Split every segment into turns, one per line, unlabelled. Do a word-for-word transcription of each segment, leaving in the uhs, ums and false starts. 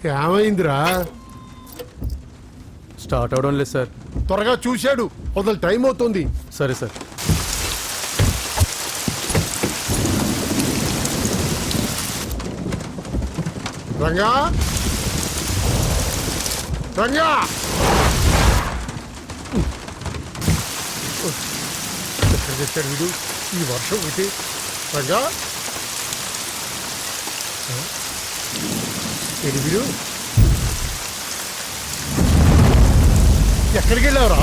ఏమైందిరా?
స్టార్ట్ అవడం లేదు సార్.
త్వరగా చూశాడు, వదలు, టైం అవుతుంది.
సరే సార్.
రంగా రంగా ఎక్కడ చేశాడు వీడు ఈ వర్షం ఒకటి? రంగా ఏడు వీడు ఎక్కడికి వెళ్ళావురా?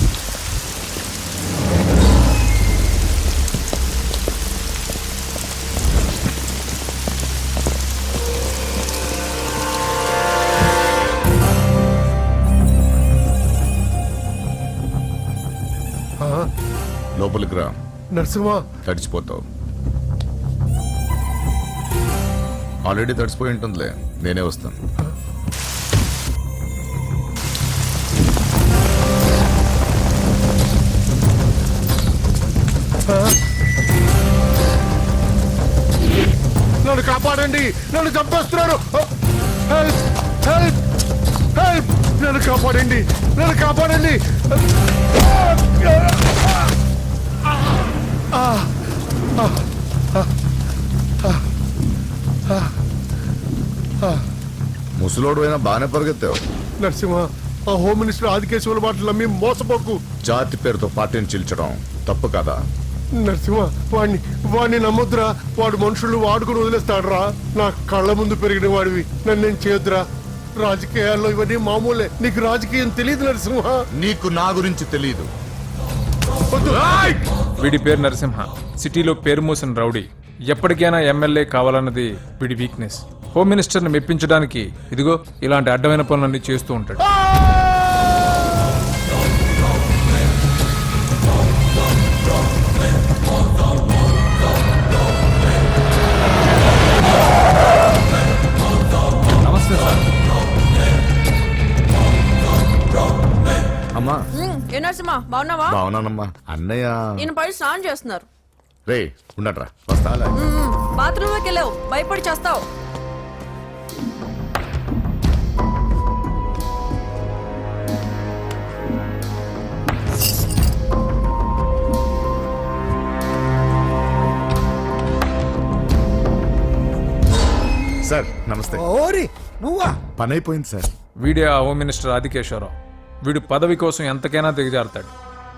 లోపలికి రా.
నరసింహ,
తడిచిపోతావు. ఆల్రెడీ తడిసిపోయి ఉంటుందిలే, నేనే వస్తాను.
నన్ను కాపాడండి, నన్ను చంపేస్తున్నారు. హెల్ప్ హెల్ప్ హెల్ప్, నన్ను కాపాడండి, నన్ను కాపాడండి.
ముసలోడు అయినా బాగానే పరిగెత్తావు.
నరసింహ, ఆ హోమ్ మినిస్టర్ ఆదికేశ్వర మాటలు నమ్మి మోసపోకు.
జాతి పేరుతో పార్టీని చీల్చడం తప్పు కదా?
నరసింహ, వాడిని వాడిని నమ్మొద్దురా. వాడు మనుషులు వాడుకుని వదిలేస్తాడురా. నా కళ్ళ ముందు పెరిగిన వాడివి, నన్ను నేను చేయొద్దురా. రాజకీయాల్లో ఇవన్నీ మామూలే. నీకు రాజకీయం తెలియదు నరసింహ.
నీకు నా గురించి తెలియదు.
వీడి పేరు నరసింహ, సిటీలో పేరు మోసిన రౌడీ. ఎప్పటికైనా ఎమ్మెల్యే కావాలన్నది వీడి వీక్నెస్. హోమ్ మినిస్టర్ని మెప్పించడానికి ఇదిగో ఇలాంటి అడ్డమైన పనులన్నీ చేస్తూ ఉంటాడు. నమస్తే సార్.
అమ్మా.
ఏ నరసింహ, బాగున్నావా?
బాగున్నానమ్మా. అన్నయ్య
ఈయన పై స్నానం చేస్తున్నారు.
రే ఉండట్రా, వస్తా.
బాత్రూమ్ లోకి వెళ్ళావు, భయపడి చేస్తావు.
సార్ నమస్తే.
ఓరి నువ్వా?
పని అయిపోయింది సార్.
వీడే ఆ హోమ్ మినిస్టర్ ఆదికేశ్వరరావు. వీడు పదవి కోసం ఎంతకైనా దిగజారుతాడు.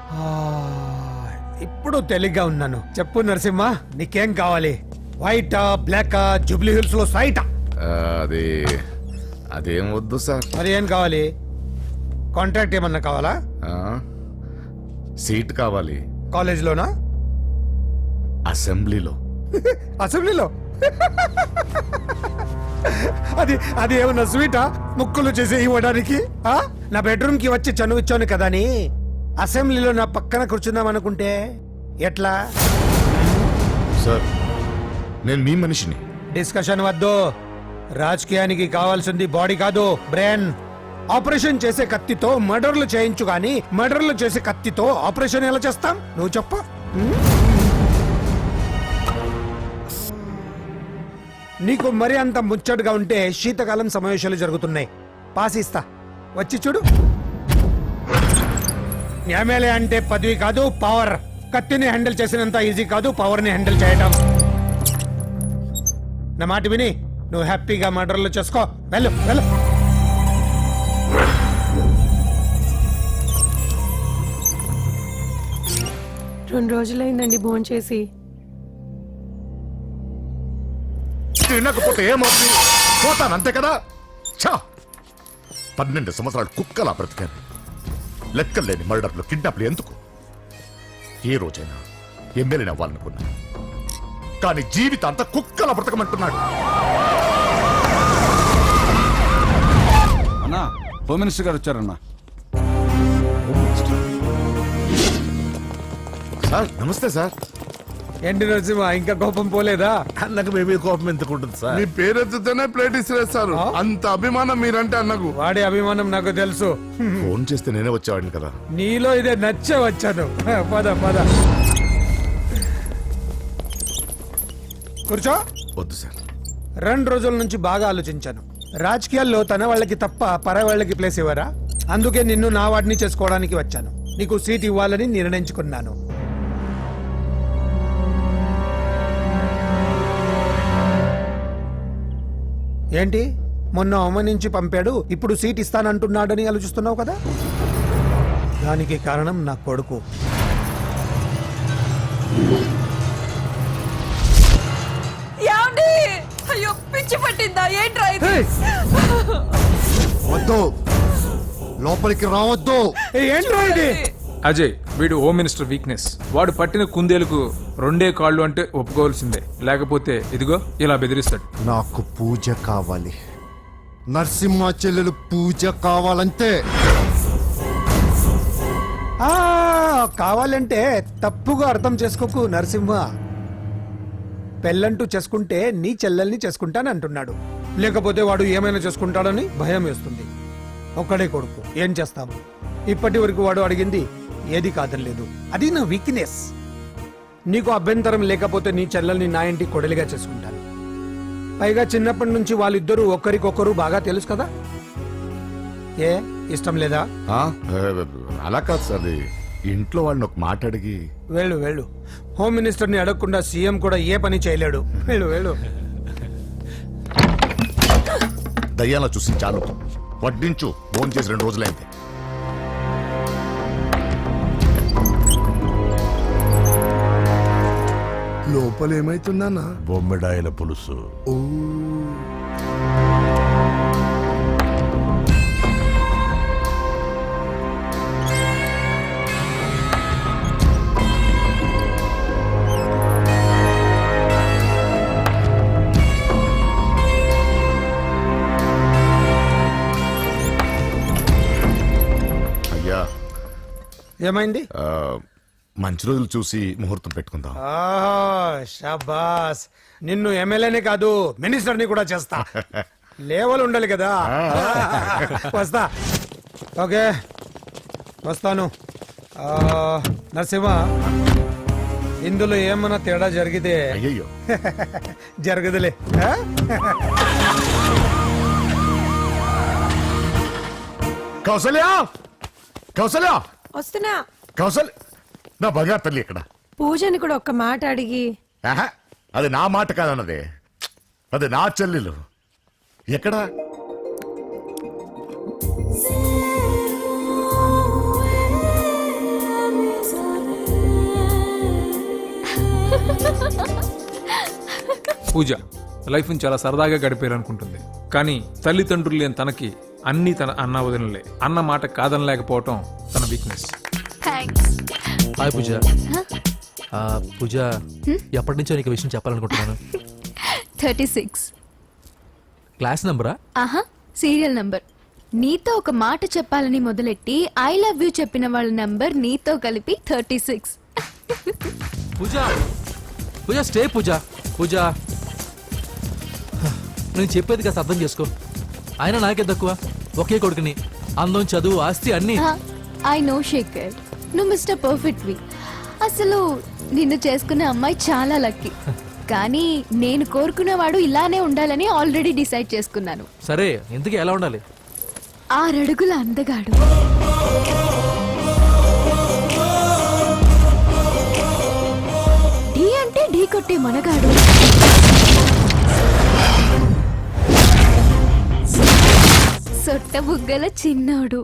ఇప్పుడు తెలిగ్గా ఉన్నాను. చెప్పు నరసింహ, నీకేం కావాలి? వైటా, బ్లాకా, జూబ్లీ హిల్స్ లో సైటా?
అది అదేం వద్దు సార్.
మరి ఏం కావాలి? కాంట్రాక్ట్ ఏమన్నా కావాలా?
ఆ, సీట్ కావాలి.
కాలేజ్ లోనా?
అసెంబ్లీలో.
అసెంబ్లీలో? అది అది ఏమన్నా స్వీటా? ముక్కులు చేసి ఇవ్వడానికి? ఆ? నా బెడ్రూమ్ కి వచ్చి చనువిచ్చాను కదా అని అసెంబ్లీలో నా పక్కన కూర్చుందాం అనుకుంటే ఎట్లా?
సార్ నేను మీ మనిషిని.
డిస్కషన్ వద్దు. రాజకీయానికి కావాల్సింది బాడీ కాదు, బ్రెయిన్. ఆపరేషన్ చేసే కత్తితో మర్డర్లు చేయించు గాని మర్డర్లు చేసే కత్తితో ఆపరేషన్ ఎలా చేస్తాం? నువ్వు చెప్ప. నీకు మరి అంత ముచ్చటగా ఉంటే శీతకాలం సమావేశాలు జరుగుతున్నాయి. పాసిస్తా, వచ్చి చూడు. ఎమ్మెల్యే అంటే పదవి కాదు, పవర్. కత్తిని హ్యాండిల్ చేసినంత ఈజీ కాదు పవర్ ని హ్యాండిల్ చేయడం. నా మాట విని నువ్వు హ్యాపీగా మర్డర్లు చేసుకో. వెళ్ళు వెళ్ళు.
రెండు రోజులైందండి భోంచేసి.
తినకపోతే ఏమవుతుంది? పోతాను అంతే కదా. ఛా, పన్నెండు సంవత్సరాలు కుక్కలా బ్రతికాను. లెక్కలేని మర్డర్లు, కిడ్నాప్లు ఎందుకు? ఏ రోజైనా ఎమ్మెల్యేని అవ్వాలనుకున్నా, కానీ జీవితాంతా కుక్కలా బ్రతకమంటున్నాడు.
అన్నా, హోమ్ మినిస్టర్ గారు వచ్చారన్నా.
సార్ నమస్తే సార్.
ఏంటి నరసింహ, ఇంకా కోపం పోలేదా?
అన్నకు మేమే కోపం ఎందుకుంటుంది సార్?
మీ పేరెత్తితేనే ప్లేట్ ఇసిరేస్తారు. అంత అభిమానం మీరంటే అన్నకు.
వాడి అభిమానం నాకు తెలుసు.
ఫోన్ చేస్తే నేనే వచ్చేవాడిని కదా.
నీలో ఇదే నచ్చే వచ్చాను. పద పద కూర్చో.
వద్దు సార్.
రెండు రోజుల నుంచి బాగా ఆలోచించాను. రాజకీయాల్లో తన వాళ్ళకి తప్ప పర వాళ్ళకి ప్లేస్ ఇవ్వరా? అందుకే నిన్ను నా వాడిని చేసుకోవడానికి వచ్చాను. నీకు సీట్ ఇవ్వాలని నిర్ణయించుకున్నాను. ఏంటి మొన్న అవమానించి పంపాడు, ఇప్పుడు సీట్ ఇస్తానంటున్నాడని ఆలోచిస్తున్నావు కదా? దానికి కారణం నా కొడుకు.
ఏమండి? అయ్యో పిచ్చి పట్టిందా ఏంట్రా ఇది?
వద్దు, లోపలికి రావద్దు.
ఏ, ఏంట్రా ఇది?
అజయ్ వీడు హోమ్ మినిస్టర్ వీక్నెస్. వాడు పట్టిన కుందేలకు రెండే కాళ్ళు అంటే ఒప్పుకోవాల్సిందే, లేకపోతే ఇదిగో ఇలా బెదిరిస్తాడు.
నాకు పూజ కావాలి, నరసింహ చెల్లెలు పూజ కావాలంతే.
ఆ, కావాలంటే తప్పుగా అర్థం చేసుకోకు నరసింహ. పెళ్ళంటూ చేసుకుంటే నీ చెల్లెల్ని చేసుకుంటానంటున్నాడు. లేకపోతే వాడు ఏమైనా చేసుకుంటాడని భయం వేస్తుంది. ఒక్కడే కొడుకు, ఏం చేస్తాము? ఇప్పటి వరకు వాడు అడిగింది ఏది కాదనలేదు. అది నా వీక్నెస్. నీకు అభ్యంతరం లేకపోతే నీ చెల్లెల్ని నా ఇంటి కొడలిగా చేసుకుంటాను. పైగా చిన్నప్పటి నుంచి వాళ్ళిద్దరూ ఒకరికొకరు బాగా తెలుసు కదా. ఏ ఇష్టం లేదా?
ఆ, అలా కాదు సార్, అది ఇంట్లో వాళ్ళని ఒక మాట అడిగి.
వెళ్ళు వెళ్ళు. హోమ్ మినిస్టర్ని అడగకుండా సీఎం కూడా ఏ పని చేయలేడు. వెళ్ళు వెళ్ళు.
దయ్యాలా చూసి చాలు, వడ్డించు. ఫోన్ చేసి రెండు రోజులైంది.
లోపల ఏమైతుందన్నా?
బొమ్మిడాయల పులుసు.
అయ్యా,
ఏమైంది?
ఆ, మంచి రోజులు చూసి ముహూర్తం పెట్టుకుందాం.
ఆహా, షాబాస్. నిన్ను ఎమ్మెల్యేనే కాదు మినిస్టర్ని కూడా చేస్తా. లేవల్ ఉండాలి కదా. వస్తా. ఓకే వస్తాను. ఆ, నరసింహ, ఇందులో ఏమన్నా తేడా జరిగితే
అయ్యయ్యో,
జరగదులే. ఆ?
కౌసల్య, కౌసల్య,
వస్తున్నా.
కౌసల్య, నా బంగారు తల్లి ఇక్కడ.
పూజని కూడా ఒక్క మాట అడిగి.
ఆహా, అది నా మాట కాదన్నది, అది నా చెల్లెలు. ఎక్కడ?
పూజ లైఫ్ని చాలా సరదాగా గడిపేయాలనుకుంటుంది. కానీ తల్లిదండ్రులు లేని తనకి అన్నీ తన అన్న వదినలే. అన్న మాట కాదనలేకపోవటం తన వీక్నెస్.
హాయ్ పూజ. ఆ, పూజ ఎప్పటి నుంచో నీకు విషయం చెప్పాలనుకుంటున్నాను.
థర్టీ సిక్స్
క్లాస్ నంబరా?
ఆహా, సీరియల్ నంబర్. నీతో ఒక మాట చెప్పాలని మొదలెట్టి ఐ లవ్ యూ చెప్పిన వాళ్ళ నంబర్ నీతో కలిపి thirty six.
Pooja, Pooja stay. Pooja, Pooja నేను చెప్పేది కాస్త అర్థం చేసుకో. ఆయన నాకే తక్కువ, ఒకే కొడుకుని. అందం, చదువు, ఆస్తి అన్ని.
ఐ నో శేఖర్, నువ్వు మిస్టర్ పర్ఫెక్ట్ వి. అసలు నిన్ను చేసుకునే అమ్మాయి చాలా లక్కీ. కానీ నేను కోరుకునేవాడు ఇలానే ఉండాలని ఆల్రెడీ డిసైడ్ చేసుకున్నాను.
సరే, ఇంతకీ ఎలా ఉండాలి?
ఆరడుగుల అందగాడు, ఢీ అంటే ఢీ కొట్టే మనగాడు, సొట్ట బుగ్గల చిన్నోడు,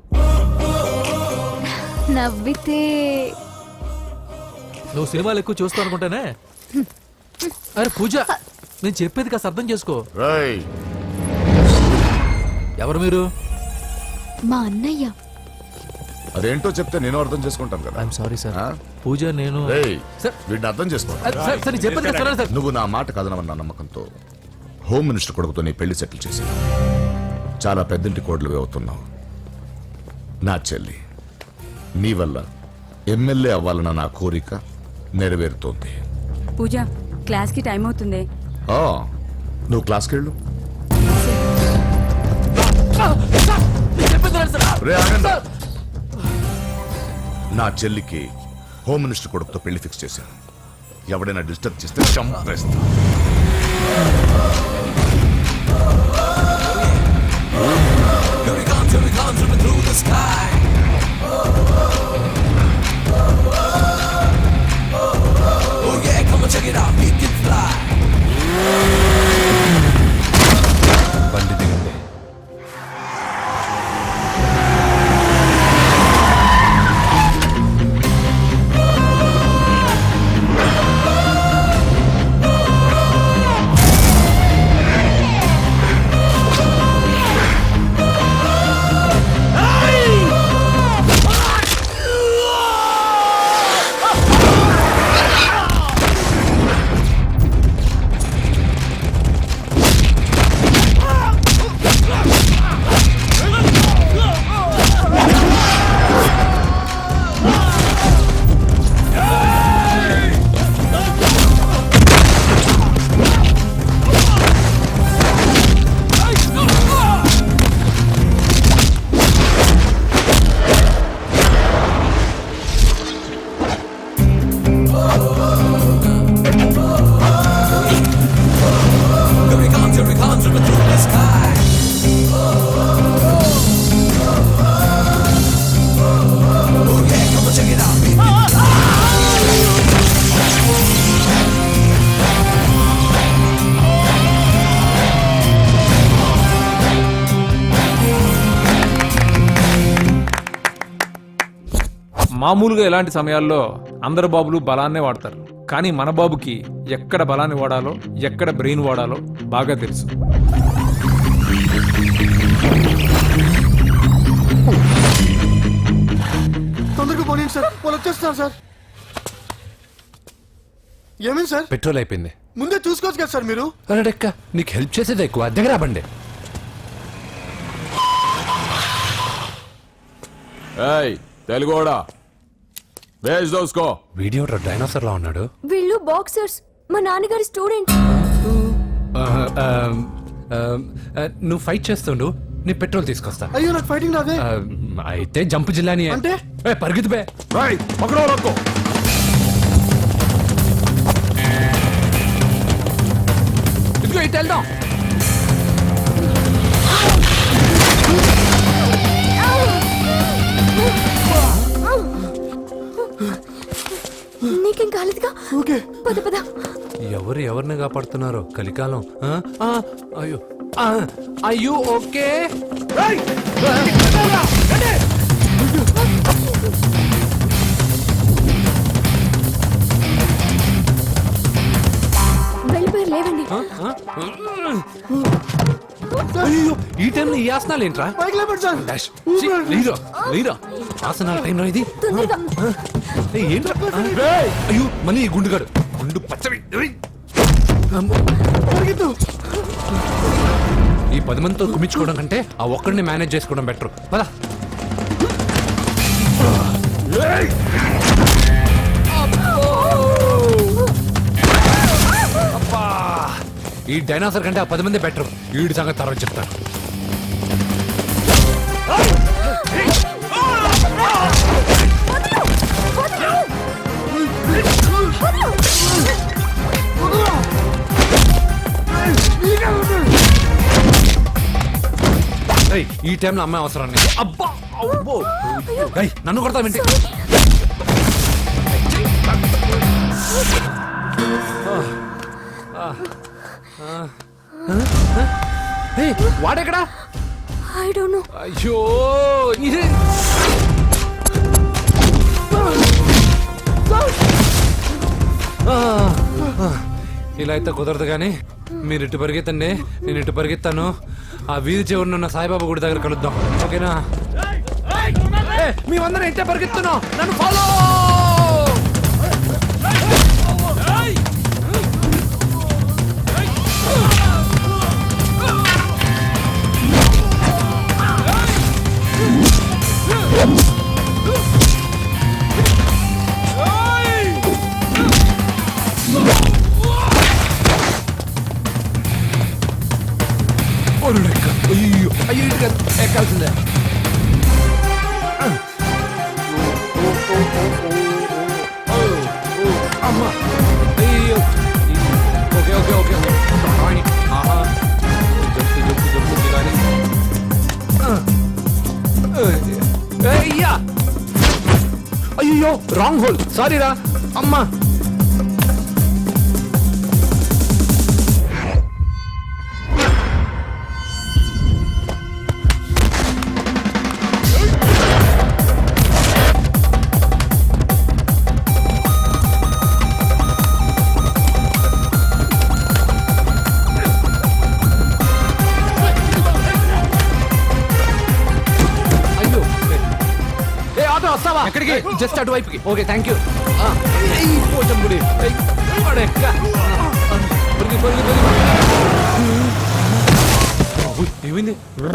నవ్వితే.
నువ్వు సినిమాలు ఎక్కువ చూస్తావు అనుకుంటానే. అరే పూజ, నేను చెప్పేది కాస్త అర్థం చేసుకో.
రేయ్,
ఎవరు మీరు?
మా అన్నయ్య.
అదేంటో చెప్తే నేను అర్థం చేసుకుంటాను కదా.
I'm sorry sir.
ఆ?
పూజ నేను.
రేయ్,
సార్,
వీడిని అర్థం చేసుకో.
సార్, సార్, నేను చెప్పేది కాస్త వినండి సార్.
నువ్వు నా మాట కదనవన్న నమ్మకంతో హోమ్ మినిస్టర్ కొడుకుతో నీ పెళ్లి సెటిల్ చేసి చాలా పెద్దంటి కోడలుగా అవుతున్నావు. నా చెల్లి, నీ వల్ల ఎమ్మెల్యే అవ్వాలన్న నా కోరిక నెరవేరుతోంది.
పూజ క్లాస్ కి టైం అవుతుంది.
ఆ, నువ్వు క్లాస్కి వెళ్ళు.
నేను చెప్పేది వినండి సార్.
రే, ఆగండి. నా చెల్లికి హోమ్ మినిస్టర్ కొడుకుతో పెళ్లి ఫిక్స్ చేశాను. ఎవడైనా డిస్టర్బ్ చేస్తే చంపేస్తా.
బండి దిగండి.
మామూలుగా ఇలాంటి సమయాల్లో అందరు బాబులు బలాన్నే వాడతారు, కానీ మన బాబుకి ఎక్కడ బలాన్ని వాడాలో ఎక్కడ బ్రెయిన్ వాడాలో బాగా తెలుసు.
తొందరగా పోనీ సార్, వాళ్ళు వచ్చేస్తున్నారు సార్. ఏమైంది సార్?
పెట్రోల్ అయిపోయింది.
ముందే చూసుకోవచ్చు కదా సార్ మీరు.
అరెక్క, నీకు హెల్ప్ చేసేది ఎక్కువ, దగ్గర బండి.
తెలుగోడా వేజ్ దోసుకో.
వీడియో డైనోసర్ లా ఉన్నాడు.
వీళ్ళు బాక్సర్స్, మా నాన్నగారి స్టూడెంట్.
నువ్వు ఫైట్ చేస్తుండు, నీ పెట్రోల్ తీసుకొస్తా.
అయ్యో నాకు ఫైటింగ్ రాదే.
ఆ, అయితే జంప్ జిల్లాని
అంటే?
పరిగెత్తు బే. ఇదిగో ఇటు వెళ్దాం.
నీకేం కాలేదుగా?
ఓకే
పద పద.
ఎవరు ఎవరిని కాపాడుతున్నారో కలికాలం. ఆ? ఆ, అయ్యో ఆ, అయ్యో ఓకే.
వెళ్ళిపోయారు, లేవండి.
అయ్యో ఈ టైంలో ఈ ఆసనాలు ఏంట్రా?
పైకి లేపండి సార్.
డాష్. ఛీ, లేరా లేరా ఆసనాల టైంలో ఇది.
తొందరగా.
ఏయ్, ఏంట్రా? ఆ, అయ్యో మళ్ళీ ఈ గుండుగాడు గుండు పచ్చవి. ఏయ్.
పరిగెత్తు.
ఈ పది మందితో కుమించుకోవడం కంటే ఆ ఒక్కడిని మేనేజ్ చేసుకోవడం బెటర్. పద. అబ్బా, ఈ డైనాసర్ కంటే ఆ పది మంది బెటర్. వీడి సంగతి తర్వాత చెప్తాను. ఏయ్, ఈ టైంలో అమ్మాయి అవసరాన్ని. అబ్బా అబ్బో. ఏయ్, నన్ను కొడతావేంటి? ఏయ్, వాడెక్కడా?
I don't know.
అయ్యో ఇదే. ఇలా అయితే కుదరదు కానీ మీరు ఇటు పరిగెత్తండి, నేను ఇటు పరిగెత్తాను. ఆ వీధి చివరినున్న సాయిబాబా గుడి దగ్గర కలుద్దాం, ఓకేనా? మేమందరం ఇంటే పరిగెత్తున్నాం, నన్ను ఫాలో. అయ్యో అయ్యో ఇటు ఎక్కాల్సిందే. అయ్యో రాంగ్ హోల్ సారీ రా అమ్మా. అయ్యో ఏ ఆటో వస్తావా? ఎక్కడికి? జస్ట్ అటువైపుకి. Okay thank you. పోచం గుడి ఏమైంది?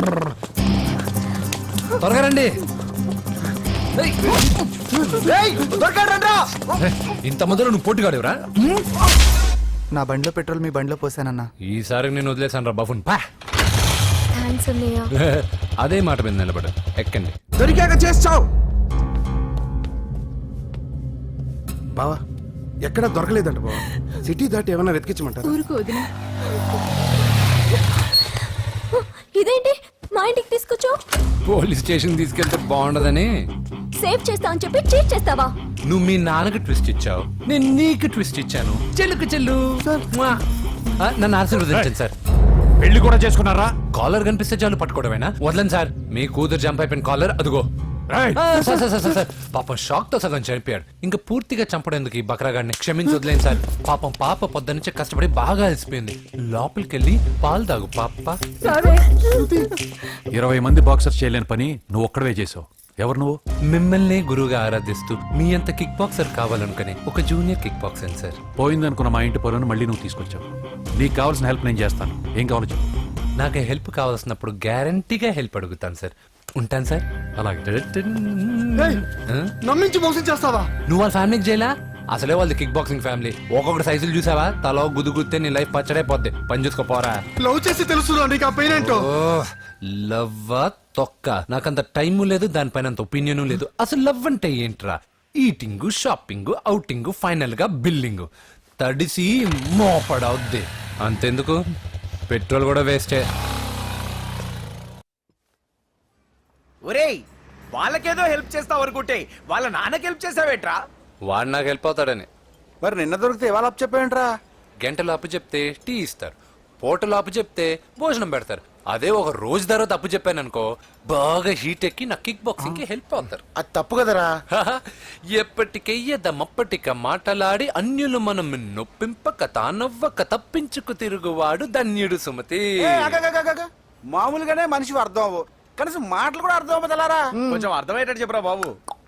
త్వరగా రండి. ఏయ్, ఏయ్, త్వరగా రండ్రా. ఏయ్, ఇంత మొదలు నువ్వు పోటీగాడేవరా?
నా బండిలో పెట్రోల్ మీ బండిలో పోసానన్నా.
ఈసారి నేను వదిలేసాను రా బాబున్. పా.
థ్యాంక్స్ అన్నయ్య.
అదే మాట మీద నిలబడు. ఎక్కండి.
దొరికాక చేస్తావు బావా. ఎక్కడ దొరకలేదంట బావా. సిటీ దాటి ఏమైనా వెతికించమంటారా?
ఊరుకు వదిన. ఇదేంటి మా ఇంటికి తీసుకొచ్చావు?
పోలీస్ స్టేషన్ తీసుకెళ్తే బాగుండదని.
సేవ్ చేస్తా అని చెప్పి చీట్ చేస్తావా?
నువ్వు మీ నాన్నకి ట్విస్ట్ ఇచ్చావు, నేను నీకు ట్విస్ట్ ఇచ్చాను. చెల్లుకు చెల్లు. మ్వా. ఆ, నన్ను ఆశీర్వదించండి సార్.
పెళ్లి కూడా చేసుకున్నారా?
కాలర్ కనిపిస్తే చాలు పట్టుకోవడమేనా? వదలండి సార్. మీ కూతురు జంప్ అయిపోయిన కాలర్ అదుగో.
రేయ్,
ఆ, సార్ సార్ సార్ సార్ పాపం షాక్ తో సగం చనిపోయాడు. ఇంకా పూర్తిగా చంపడేందుకు ఈ బక్రాగాడిని క్షమించి వదిలేండి సార్. పాపం పాప పొద్దు నుంచి కష్టపడి బాగా అలసిపోయింది. లోపలికి వెళ్ళి పాలు తాగు పాప.
ఇరవై మంది బాక్సర్స్ చేయలేని పని నువ్వు ఒక్కడవే చేసావు. ఎవరు నువ్వు?
మిమ్మల్ని గురువుగా ఆరాధిస్తూ మీ అంత కిక్ బాక్సర్ కావాలనుకుని ఒక జూనియర్ కిక్ బాక్సర్ సార్.
పోయిందనుకున్న మా ఇంటి పొలను మళ్ళీ నువ్వు తీసుకొచ్చావు. నీకు కావాల్సిన హెల్ప్ నేను చేస్తాను. ఏం కావాలో చెప్పు.
నాకు హెల్ప్ కావాల్సినప్పుడు గ్యారంటీగా హెల్ప్ అడుగుతాను సార్. ఉంటాను సార్.
అలాగే.
ఆ?
నమ్మించి మోసం చేస్తావా?
నువ్వు వాళ్ళ ఫ్యామిలీకి చేయలా? అసలే వాళ్ళది కిక్ బాక్సింగ్ ఫ్యామిలీ. ఒక్కొక్కటి సైజులు చూసావా? తలో గుద్దు గుద్దే నీ లైఫ్ పచ్చడైపోద్ది. పని చూసుకోపోరా.
లవ్ చేసి తెలుసు నీకు ఆ పెయిన్ ఏంటో.
లవ్వా తొక్క. నాకంత టైము లేదు, దానిపైన అంత ఒపీనియన్ లేదు. అసలు లవ్ అంటే ఏంట్రా? ఈటింగ్, షాపింగ్, అవుటింగ్, ఫైనల్ గా బిల్డింగ్. తడిసి మోపడవుద్ది. అంతెందుకు, పెట్రోల్ కూడా వేస్టే.
ఒరేయ్, వాళ్ళకేదో హెల్ప్ చేస్తావు అనుకుంటే వాళ్ళ నాన్నకి హెల్ప్ చేసావేట్రా?
వాడు నాకు హెల్ప్ అవుతాడని.
మరి నిన్న దొరికితే ఇవాళ అప్పు చెప్పేంట్రా?
గంటలు అప్పు చెప్తే టీ ఇస్తారు, పూటలు అప్పు చెప్తే భోజనం పెడతారు. అదే ఒక రోజు తర్వాత అప్పు చెప్పాను అనుకో, బాగా హీట్ ఎక్కి నా కిక్ బాక్సింగ్ కి హెల్ప్ అవుతారు.
అది తప్పు కదరా.
ఎప్పటికెయ్యదమప్పటిక మాటలాడి అన్యులు మనం నొప్పింపక తానవ్వక తప్పించుకు తిరుగువాడు ధన్యుడు సుమతి.
మామూలుగానే మనిషి అర్థం అవ్వు, కనీసం మాటలు కూడా అర్థం అవ్వదలారా.
కొంచెం అర్థమయ్యేటట్టు చెప్పరా బాబు.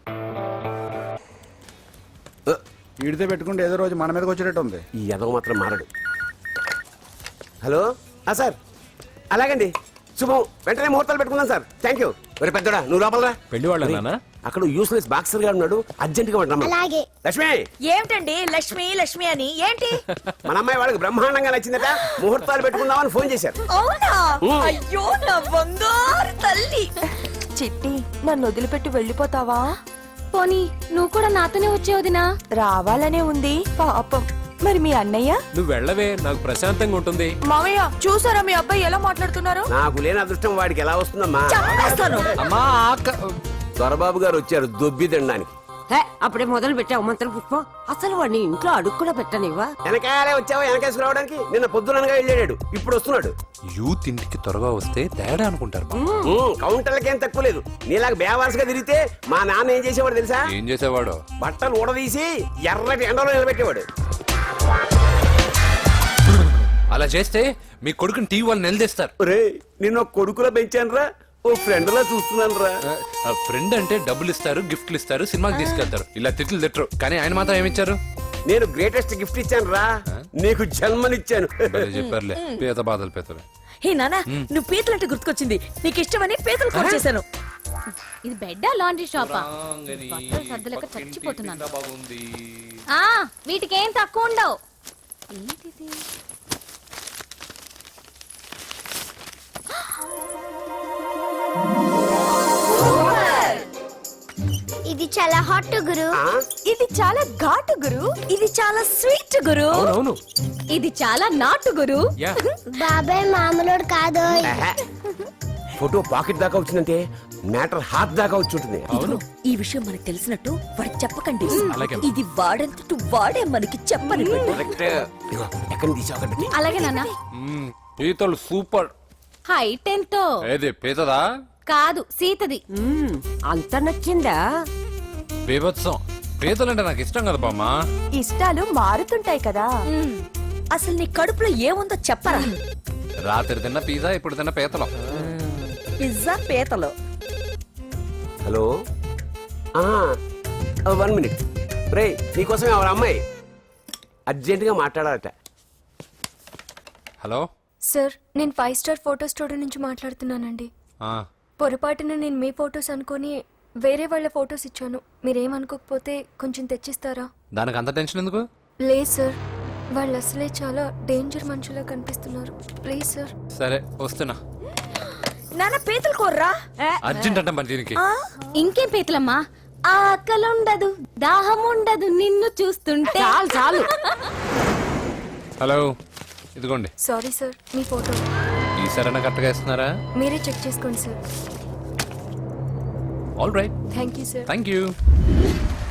వీడితే పెట్టుకుంటే ఏదో రోజు మన మీదకి వచ్చేటట్టు ఉంది.
ఈ ఎదవ మాత్రం మారడు. హలో సార్, అలాగండి, శుభం. వెంటనే ముహూర్తాలు పెట్టుకున్నాం సార్. Thank you. మరి పెద్దడా నువ్వు లోపలరా.
పెళ్లి వాళ్ళ
అక్కడ యూస్లెస్ బాక్సర్ గా ఉన్నాడు, అర్జెంట్ గా ఉంటాం. లక్ష్మి.
ఏమిటండి లక్ష్మి లక్ష్మి అని ఏంటి?
మన అమ్మాయి వాళ్ళకి బ్రహ్మాండంగా నచ్చిందట, ముహూర్తాలు పెట్టుకుందామని ఫోన్ చేశారు.
అవునా? అయ్యో నా బంగారు తల్లి. చిట్టి, నన్ను వదిలిపెట్టి వెళ్ళిపోతావా?
పోనీ నువ్వు కూడా నాతోనే వచ్చే వదినా.
రావాలనే ఉంది పాపం. మరి మీ అన్నయ్య?
నువ్వు వెళ్ళవే, నాకు ప్రశాంతంగా ఉంటుంది.
మామయ్య చూసారా మీ అబ్బాయి ఎలా మాట్లాడుతున్నారు?
నాకు లేని అదృష్టం వాడికి ఎలా వస్తుందమ్మా?
చంపేస్తాను.
అమ్మా
దొరబాబు గారు వచ్చారు దొబ్బి తినడానికి.
అప్పుడే మొదలు పెట్టావు మంత్ర పుష్పం. అసలు వాడిని ఇంట్లో అడుగు కూడా పెట్టనివ్వా?
వెనకాలే వచ్చావా? వెనకేసి రావడానికి నిన్న పొద్దుననగా వెళ్ళాడు, ఇప్పుడు వస్తున్నాడు.
యూత్ ఇంటికి త్వరగా వస్తే తేడా అనుకుంటారు.
కౌంటర్లకేం తక్కువ లేదు. నీలాగా బేవారసుగా తిరిగితే మా నాన్న ఏం చేసేవాడు తెలుసా?
ఏం చేసేవాడు?
బట్టలు ఊడదీసి ఎర్రటి ఎండలో నిలబెట్టేవాడు.
అలా చేస్తే మీ కొడుకుని టీవీ వాళ్ళు నిలదీస్తారు.
రే, నిన్న కొడుకులో పెంచాను రా, ఓ ఫ్రెండ్ లా చూస్తున్నాను రా.
ఫ్రెండ్ అంటే డబ్బులు ఇస్తారు, గిఫ్ట్లు ఇస్తారు, సినిమాకి తీసుకెళ్తారు. ఇలా తిట్లు తిట్టరు. కానీ ఆయన మాత్రం ఏమిచ్చారు?
నేను గ్రేటెస్ట్ గిఫ్ట్ ఇచ్చాను రా, నీకు జన్మనిచ్చాను.
చెప్పారులే, పేద బాధలు పేదలు.
హే నానా, నువ్వు పీతలంటే గుర్తుకొచ్చింది. నీకు ఇష్టమని పీతలు కాల్ చేశాను.
ఇది బెడ్డా లాండ్రీ షాపా? బట్టలు సర్దలేక చచ్చిపోతున్నాను. ఆ వీటికి ఏం తక్కువ ఉండవు. ఏంటిది?
ఇది
ఇది చాలా హాట్ గురు
ఆ?
ఇది చాలా ఘాటు గురు ఇది చాలా స్వీట్ గురు
అవునవును
ఇది చాలా నాటు గురు
యా
బాబాయ్ మామూలుడు కాదు
ఆహా. ఫోటో పాకెట్ దాకా వచ్చిందంటే మ్యాటర్ హాత్ దాకా వచ్చి ఉంటుంది
అవును
ఈ విషయం మనకు తెలిసినట్టు వాడికి చెప్పకండి
అలాగే.
ఇది వాడంతటూ వాడే మనకి చెప్పని
కరెక్ట్ ఇదిగో, ఎక్కడి నుంచి తీసావు కాబట్టి
అలాగే నాన్న
మ్మ్, పీతలు సూపర్
హైట్ ఎంతో
ఏది పీతదా
కాదు సీతది
అంత నచ్చిందా
బీభత్సం పీతలంటే నాకు ఇష్టం కదా బామ్మ
ఇష్టాలు మారుతుంటాయి కదా అసలు నీ కడుపులో ఏముందో చెప్పరా
రాత్రి తిన్న పిజ్జా ఇప్పుడు తిన్న పీతలం
పిజ్జా పీతలు
హలో వన్ మినిట్ రే నీకోసం ఎవరు అమ్మాయి అర్జెంటుగా మాట్లాడాలట
హలో
సార్ నేను ఫైవ్ స్టార్ ఫోటో స్టూడియో నుంచి మాట్లాడుతున్నానండి
ఆ,
పొరపాటున నేను మీ ఫొటోస్ అనుకొని వేరే వాళ్ళ ఫొటోస్ ఇచ్చాను మీరేమనుకోకపోతే కొంచెం తెచ్చిస్తారా
దానికి అంత టెన్షన్ ఎందుకు
లేదు సార్ వాళ్ళు అసలే చాలా డేంజర్ మనుషులా కనిపిస్తున్నారు ప్లీజ్ సార్
సరే వస్తున్నా
నాన్న పీతలు కోర్రా
అర్జెంట్ అంట మరి దీనికి
ఇంకేం పీతలమ్మా ఆకలి ఉండదు దాహం ఉండదు నిన్ను చూస్తుంటే
చాలు చాలు
హలో ఇదిగోండి
సారీ సార్ మీ ఫోటో
ఈ సరైన కరెక్ట్గా ఇస్తున్నారా
మీరే చెక్ చేసుకోండి sir
all right
thank you sir
thank you